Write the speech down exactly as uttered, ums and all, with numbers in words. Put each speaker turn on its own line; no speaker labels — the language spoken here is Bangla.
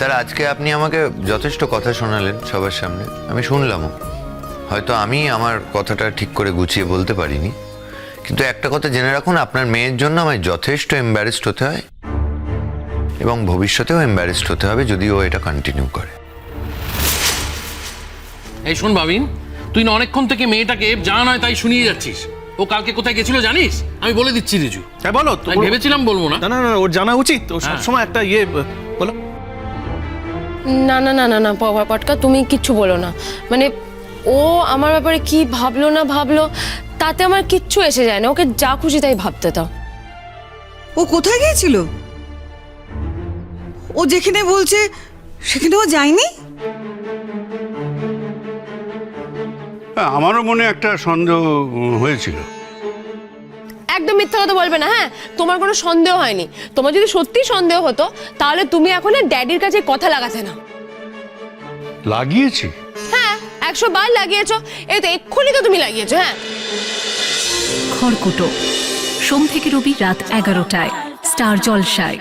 স্যার আজকে আপনি আমাকে যথেষ্ট কথা শোনালেন সবার সামনে, আমি শুনলামও। হয়তো আমি আমার কথাটা ঠিক করে গুছিয়ে বলতে পারিনি, কিন্তু একটা কথা জেনে রাখুন, আপনার মেয়ের জন্য আমায় যথেষ্ট এম্বারেসড হতে হয় এবং ভবিষ্যতেও এম্বারেসড হতে হবে যদি ও এটা কন্টিনিউ করে।
এই শোন ভাবিন, তুই না অনেকক্ষণ থেকে মেয়েটাকে যা নয় তাই শুনিয়ে যাচ্ছিস। ও কালকে কোথায় গেছিল জানিস? আমি বলে দিচ্ছি রিজু।
হ্যাঁ বলো।
আমি ভেবেছিলাম বলবো না।
না না না, ওর জানা উচিত। ও সবসময় একটা ইয়ে বলো।
না না না না না বাবা পটকা, তুমি কিচ্ছু বলো না। মানে ও আমার ব্যাপারে কি ভাবলো না ভাবলো তাতে আমার কিচ্ছু এসে যায় না। ওকে যা খুশি তাই ভাবতে দাও।
ও কোথায় গিয়েছিল? ও যেখানে বলছে সেখানে ও যায়নি।
আমারও মনে একটা সন্দেহ হয়েছিল।
একদম মিথ্যা কথা বলবে না। হ্যাঁ, তোমার কোনো সন্দেহ হয়নি। তোমার যদি সত্যি সন্দেহ হতো তাহলে তুমি এখন ড্যাডির কাছে কথা লাগাতে না।
লাগিয়েছি?
হ্যাঁ, একশো বার লাগিয়েছো। এই তো এক্ষুনি তো তুমি লাগিয়েছো। হ্যাঁ,
খড়কুটো সোম থেকে রবি রাত এগারোটায় স্টার জলসায়।